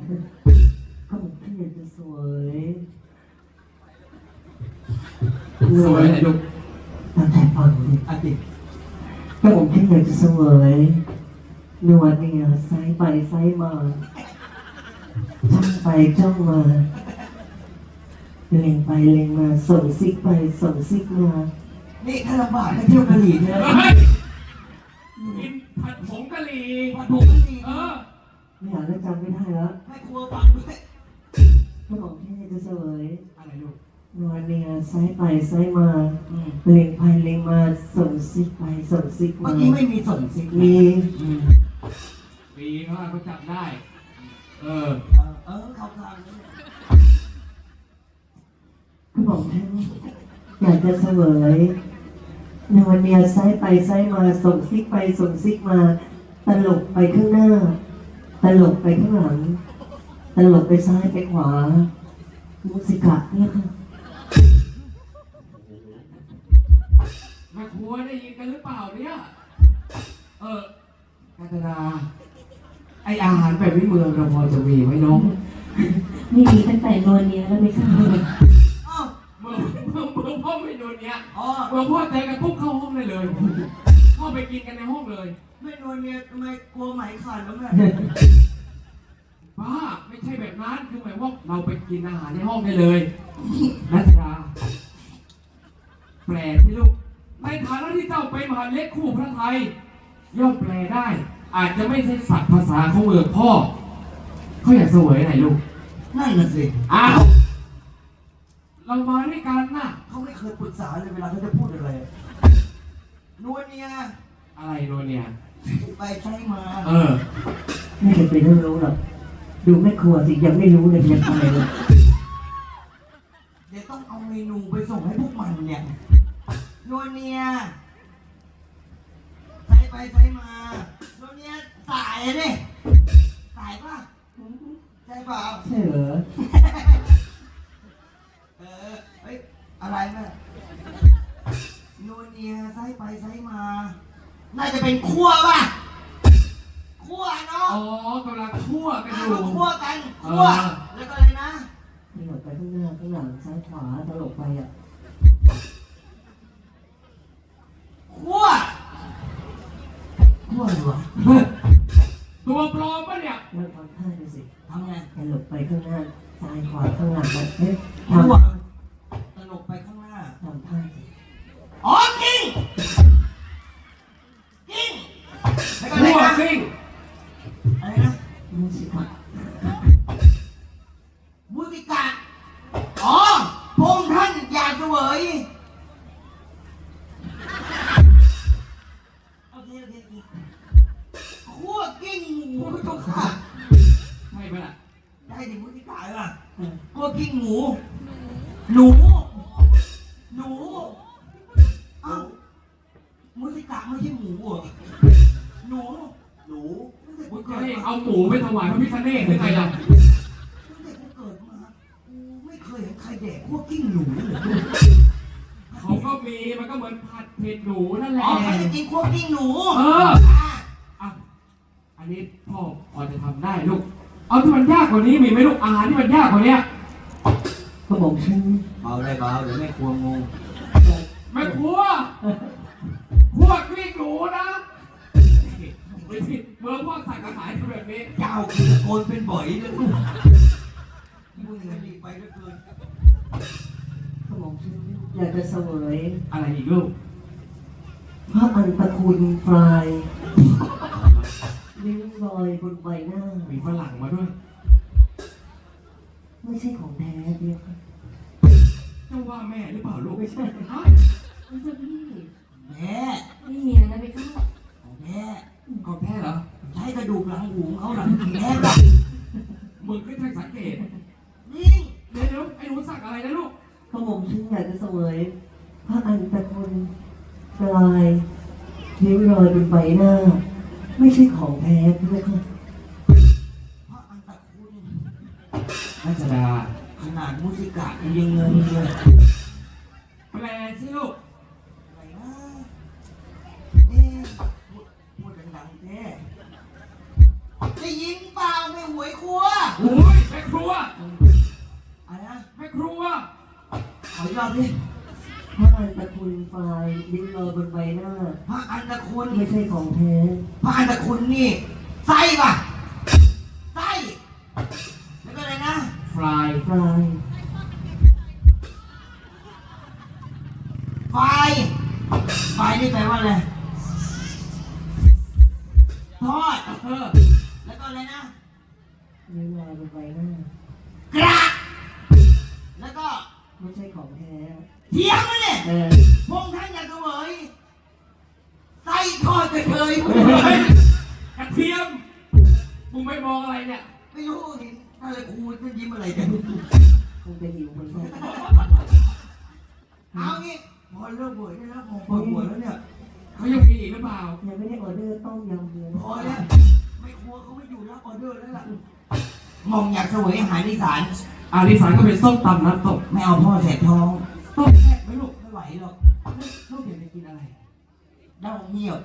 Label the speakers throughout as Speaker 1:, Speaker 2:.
Speaker 1: ก็ผมที่อยากจะสวย
Speaker 2: สวยไหนลูก
Speaker 1: ตั้งแต่ฟังเลย
Speaker 2: อาติ
Speaker 1: ก็ผมที่อยากจะสวยนวดเนี่ยซ้ายไปซ้ายมาจ้องไปจ้องมาเล็งไปเล็งมาส่งซิกไปส่งซิกมา
Speaker 2: นี่ถ้าลำบากให้เที่ยวกะหรี่เนี่ยกินผัดผงกะหรี่ผัดผงกะหรี่
Speaker 1: ไม่อยากจะจำไม่ได้แล้ว
Speaker 2: ให้ครัวฟังด้วย
Speaker 1: ก็ผมที่อยากจะสวย
Speaker 2: อะไรลูก
Speaker 1: นวดเนี่ยซ้ายไปซ้ายมาเล็งไปเล็งมาส่งซิกไปส่งซิก
Speaker 2: เมื่
Speaker 1: มา
Speaker 2: อกี้ไม่มีส่งซิก
Speaker 1: มี
Speaker 2: ปีเขาจับได้เขาทาง
Speaker 1: ก็บอกท่านอยากจะเสวยในวันเนี้ยซ้ายไปซ้ายมาส่งซิกไปส่งซิกมาตลกไปข้างหน้าตลกไปข้างหลังตลกไปซ้ายไปขวามุสิกะเนี่ยค่ะ
Speaker 2: แม่ครัวได้ยินกันหรือเปล่าเนี่ยกาญจนาไออาหารแบบวิเมืองเราพอจะมีไหมน้อง
Speaker 3: ไม่มีตั้งแต่นวลเนี้ยแล้วไม่เข้าเลย
Speaker 2: เมื่อพ่อไม่โดนเนี้ยเมื่อพ่อเจอกันปุ๊บเข้าห้องได้เลยเข้าไปกินกันในห้องเลย
Speaker 4: ไม่นวลเนี่ยทำไมกลัวไหมขาดแล้วแม่
Speaker 2: ป้าไม่ใช่แบบนั้นคือหมายว่าเราไปกินอาหารในห้องได้เลยนัทราแปลที่ลูกในฐานะที่เจ้าเป็นมหาเล็กคู่พระไทยย่อมแปลได้ อาจจะไม่ใช่ศัพท์ภาษาของเมืองพ่อเขาอยากเสวยไหนลูก
Speaker 4: นั่นน่ะสิ
Speaker 2: อ้าวเรามาด้วยกันนะ
Speaker 4: เขาไม่เคยปรึกษาเลยเวลาเขาจะพูดอะไรนวลเนี่ย
Speaker 2: อะไรโนเนี่ย
Speaker 4: ไปใช้มา
Speaker 1: ไม่เคยไปรู้หรอกดูแม่ครัวสิยังไม่รู้เลยยังไปเลย
Speaker 4: เดี๋ยวต้องเอาเมนูไปส่งให้พวกมันเนี่ยนวลเนี่ยใช้ไปใช้มานวลเนี่ยสายอะดิสายป่ะใช่เปล่า
Speaker 1: ใช่เหรอ
Speaker 4: เฮ้ยอะไรแม่นวลเนี่ยใช้ไปใช้มาน่าจะเป็นคั่วป่ะคั่วเนาะ
Speaker 2: อ๋อกำลังคั่วกันอยู่
Speaker 4: คั่วกันคั่วแล้วก็อะไรนะ
Speaker 1: ตลกไปข้างหน้าข้างหลังซ้ายขวาตลกไปอ่ะ
Speaker 4: คั่วอะไรวะ
Speaker 2: ตัวปลอมปะเนี่ย
Speaker 1: แล้วทำท่าดูสิ
Speaker 4: ทำไง
Speaker 1: ตลกไปข้างหน้าซ้ายขวาข้างหลังแบบเฮ้ยท
Speaker 4: คั่วตลกไปข้างหน้า
Speaker 1: ำท่าสิ
Speaker 4: อ๋อกิ้งกิ้งแล้วก็อะไร
Speaker 2: คั่ว
Speaker 4: นะ
Speaker 2: กลิ้ง
Speaker 4: อะไรนะ
Speaker 1: มุสิกะ
Speaker 4: มุสิกะอ๋อพงท่านอยากเสวยโอเคคั่วกิ้งหมูทุกค่ะ
Speaker 2: ใช่ปะล่ะ
Speaker 4: ได้ดิมุสิกะเหรอคั่วกิ้งหมูหนูเอ้ามุสิกะไม่ใช่หมูเหรอหนูตั้งแต่
Speaker 2: คุ
Speaker 4: กู
Speaker 2: ณ
Speaker 4: เกิ
Speaker 2: จะ
Speaker 4: ด
Speaker 2: ให้
Speaker 4: มา
Speaker 2: เอาหมูไปถวายพระพิฆเนศหรือไงล่ะ
Speaker 4: ตั้งแต่กูเกิดมากูไม่เคยเห็นใครแดกคั่วกิ้งหนูเลย
Speaker 2: เขาก็มีมันก็เหมือนผัดเผ็ดหนูนั่นแหละ
Speaker 4: อ๋อใครจะกินคั่วกิ้งหนู
Speaker 2: อ่ะอันนี้พ่อพอจะทำได้ลูก เอาที่มันยากกว่านี้มีไหมลูกอาหารที่มันยากกว่านี้
Speaker 1: ก็บอกฉัน
Speaker 4: เบาได้เบาเดี๋ยวแม่ครัวงง
Speaker 2: ไม่ครัวคั่วกลิ้งหนูนะไม่ใช่เมื่อพ่อสั่งอาหารแบบนี้
Speaker 4: เจ้าคือตะโกนเป็นบ่อยเลยมึงเงินดีไปเหลือเกิน
Speaker 1: ก็บอกฉันอยากจะเสวย
Speaker 2: อะไรอีกลูก
Speaker 1: พระอันตะคุณฟลายลิ้วรอยบนใบหน้า
Speaker 2: มีฝรั่งมาด้วย
Speaker 1: ไม่ใช่ของแท้เดียวค่ะ
Speaker 2: เจ้าว่าแม่หรือเปล่าลูก
Speaker 1: ไม่ใช่
Speaker 2: ฮะ
Speaker 3: ไม่ใช่พี่
Speaker 4: แม่
Speaker 3: ไม่เนียนะไม่เข้า
Speaker 4: ของแม่
Speaker 2: ของแท้เหรอ
Speaker 4: ใช้กระดูกหลังหูเขาหลังแม่แบบ
Speaker 2: มึงก็ช่างสังเกต
Speaker 4: นี่
Speaker 2: เดี๋ยวไอ้หนูสั่งอะไรนะลูก
Speaker 1: ก็บอกฉันอยากจะเสวยพระอันตะคุณฟลายลิ้วรอยบนใบหน้า ไม่ใช่ของแท้เดียวค่ะ
Speaker 4: พระอันตะคุณ
Speaker 2: รัชดา
Speaker 4: ขนาดมุสิกะยังงงเลย
Speaker 2: แปลสิลูก
Speaker 4: อะไรนะพูดดังๆแท้ได้ยินเปล่าไม่หวยครัว
Speaker 2: โอ้ยแม่ครัว
Speaker 4: อะไรนะ
Speaker 2: แม่ครัว
Speaker 4: ขออีกรอบดิ
Speaker 1: พระอันตะคุณไฟลิ้นลอยบนใบหน้า
Speaker 4: พระอันตะคุณ
Speaker 1: ไม่ใช่ของแท้
Speaker 4: พระอันตะคุณนี่ไส้ป่ะไส้แล้วก็อะไรนะ
Speaker 2: ฟราย
Speaker 1: ฟลาย
Speaker 4: ไฟไฟนี่แปลว่าอะไรทอด แล้วก็อะไรนะ
Speaker 1: ลิ้นลอยบนใบหน้าก
Speaker 4: ระแล้วก็
Speaker 1: ไม่ใช่ของแท้
Speaker 4: เทียมมันเนี่ย พงท่านอยากเสวยไส้ทอดกระเทย
Speaker 2: เฮ้ยกระเทียมมึงไม่มองอะไรเนี่ย
Speaker 4: ไม่รู้เห็นอะไรครูมันยิ้มอะไรกัน
Speaker 1: คงจะหิวเหมือนกัน
Speaker 4: เอางี้พอเลิกบวชได้แล้วพอเปิดบวชแล้วเนี่ย
Speaker 2: เขายังมีอีกหรือเปล่า
Speaker 1: ยังไม่ได้ออเดอร์ต้มยำเลย
Speaker 4: พอแล้วไม่ครัวเขาไม่อยู่รับออเดอร์แล้วล่ะมองอยากเสวยอาหารอีสาน
Speaker 2: อาริสานก็เป็นส้มตำน้ำตก
Speaker 4: ไม่เอาพ่อแสบท้อง
Speaker 2: ต้มแซ่บไหมลูก
Speaker 4: ไม่ไหวหรอก
Speaker 2: ลูกอยากจะกินอะไร
Speaker 4: เด้าเงียบ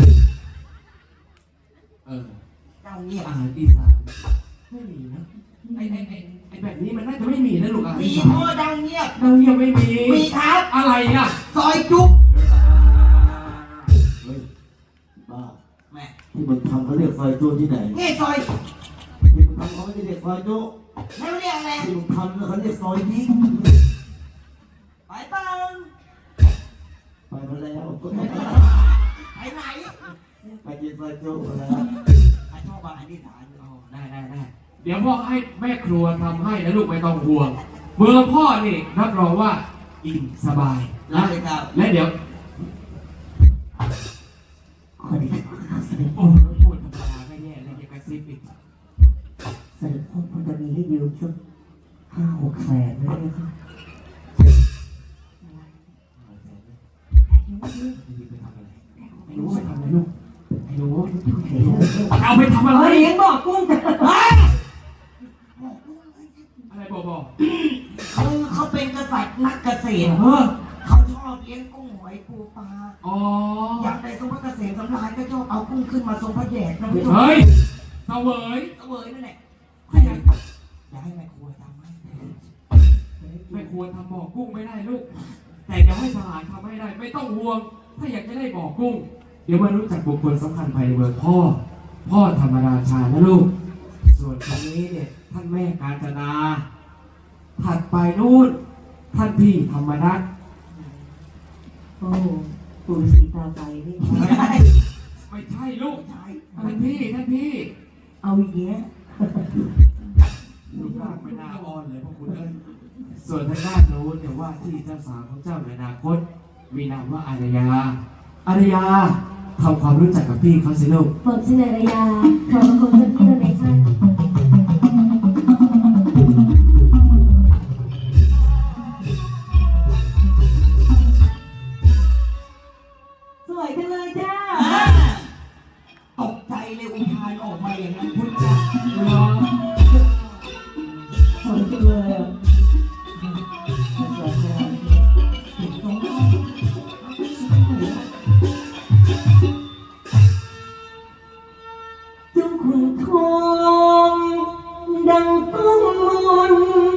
Speaker 2: เออ
Speaker 4: เด้าเงียบ
Speaker 2: อาหารอีสานไม่มีนะไอแบบนี้มันน่าจะไม่มีนะลูกอาหาร
Speaker 4: มี
Speaker 2: อีสา
Speaker 4: พ่อน เด้าเงียบ
Speaker 2: เรายังไม่มี
Speaker 4: มีครับ
Speaker 2: อะไรอ่ะ
Speaker 4: ซอยจุ๊บ
Speaker 5: เฮ้ยบ้า
Speaker 4: แม่
Speaker 5: ที่มึงทำเขาเรียกซอยจุที่ไหน
Speaker 4: นี่ซอย
Speaker 5: ที่มึงทำเขาไม่ได้เรียกซอยจุ
Speaker 4: แล้วเรียกอะไร
Speaker 5: ที่มึงทำเขาเรียกซอยยิง
Speaker 4: ไปเปัง
Speaker 5: ไปมาแล้ว
Speaker 4: ไปไหน
Speaker 5: ไปกินซอยจุมาแล้ว
Speaker 4: ไปชอบอาหารอีสาน
Speaker 2: อ๋อได้เดี๋ยวพ่อให้แม่ครัวทำให้นะลูกไม่ต้องห่วงเบอร์พ่อนี่รับรองว่าอิ่มสบาย
Speaker 4: รั
Speaker 2: นะ
Speaker 4: บเลยครับ
Speaker 2: และเดี๋ยว
Speaker 1: ขอดีครับเสด็จ
Speaker 2: โอ้โหพูดธรรมดาก็แย่แล้วยังกระซิบอีก
Speaker 1: เสด็จพ่อพอจะมีให้ยืมสัก5-6 แสนได้ไหมครับ
Speaker 2: ไปทำอะไรไอ้หนูไปทำอะไรลูกไอ้หนู
Speaker 1: เห็นแล้ว
Speaker 2: เอาไปทำอะไร
Speaker 1: เลี้ยงบอกกุ้งจะ
Speaker 2: อะไรบอก
Speaker 4: คือเขาเป็นกษัตริย์นักเกษตร
Speaker 2: เออ
Speaker 4: เขาชอบเลี้ยงกุ้งหอยปูปลา
Speaker 2: อ๋อ
Speaker 4: อยากได้ทรงพระเกษมสำราญก็ชอบเอากุ้งขึ้นมาทรงพระแดดนะพี่ชม
Speaker 2: เฮ้ยเสวย
Speaker 4: เสวยนั่นแหละ
Speaker 2: ถ้าอยาก
Speaker 4: อยากให้แม่ครัวทำให้
Speaker 2: ไม่ควรทำบ่อกุ้งไม่ได้ลูก แต่เดี๋ยวให้ทหารทำให้ได้ ไม่ต้องห่วง ถ้าอยากจะได้บ่อกุ้ง เดี๋ยวมารู้จักบุคคลสำคัญภายในเมืองพ่อธรรมราชานะลูก ส่วนคนนี้เนี่ยท่านแม่กาญจนา ถัดไปนู่น ท่านพี่ธรรมนัส
Speaker 1: โอ้ปู่สีตาไฟนี่
Speaker 4: ไม่ใช่
Speaker 2: ไม่ใช่ลูก
Speaker 4: ไม่ใช่
Speaker 2: ท่านพี่
Speaker 1: เอาอีกแยะ
Speaker 2: ลูกร่างไม่น่าอ่อนเลยพวกคุณเอ้ยส่วนทางด้านโน้นเนี่ยว่าที่เจ้าสาวของเจ้าในอนาคต มีนามว่าอารยา อารยาทำความรู้จักกับพี่เขาสิลูก
Speaker 3: ผมชื่อนารยาขอบคุณเจ้าพี่เราไหมคะ
Speaker 1: สวยจังเลยจ้า
Speaker 4: ตกใจเลยอุทานออกมาอย่างนั้นพุทธเจ้า
Speaker 1: สวยจังเลยอ่ะสวยจังเจ้าขุนทองดังต้องมน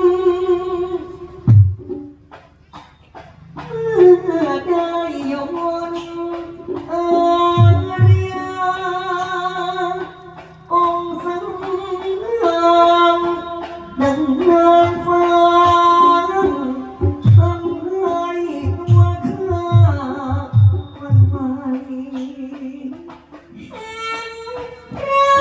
Speaker 1: เมื่อได้ยนอาริยาองค์สังฆามดังนางฟ้าทำให้ตัวข้ามันไหวเห็นพ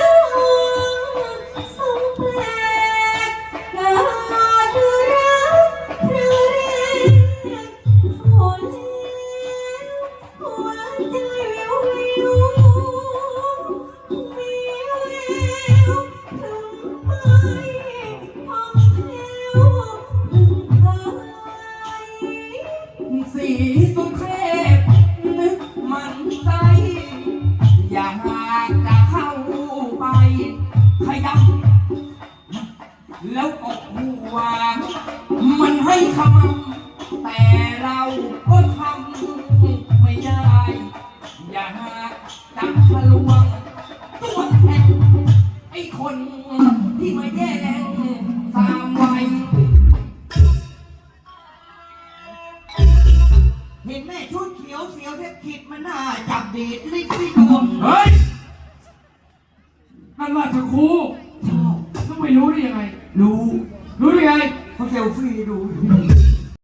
Speaker 1: ระทรงแปลกกาจรักพระเรศโอ้แล้วหัวใจวิววิวมีแววถึงไปท่องเที่ยวถึงไทย
Speaker 2: สีสุเทพนึกมันใจอยากจะเข้าไปขยำแล้วก็หัวมันให้คำแต่เราก็ทำไม่ได้ อยากจะทะลวงตัวแทนไอ้คนที่มาแย่
Speaker 4: เห็นแม่ชุดเขียวเสียวแทบขิดมันน่าจับดีดลิ้นที่ดวง
Speaker 2: เฮ้ยนั่นราชครู
Speaker 4: ชอบ
Speaker 2: ต้องไม่รู้ได้ยังไง
Speaker 4: รู้
Speaker 2: รู้ได้ไง
Speaker 4: เขาเซลฟี่ดูอยู่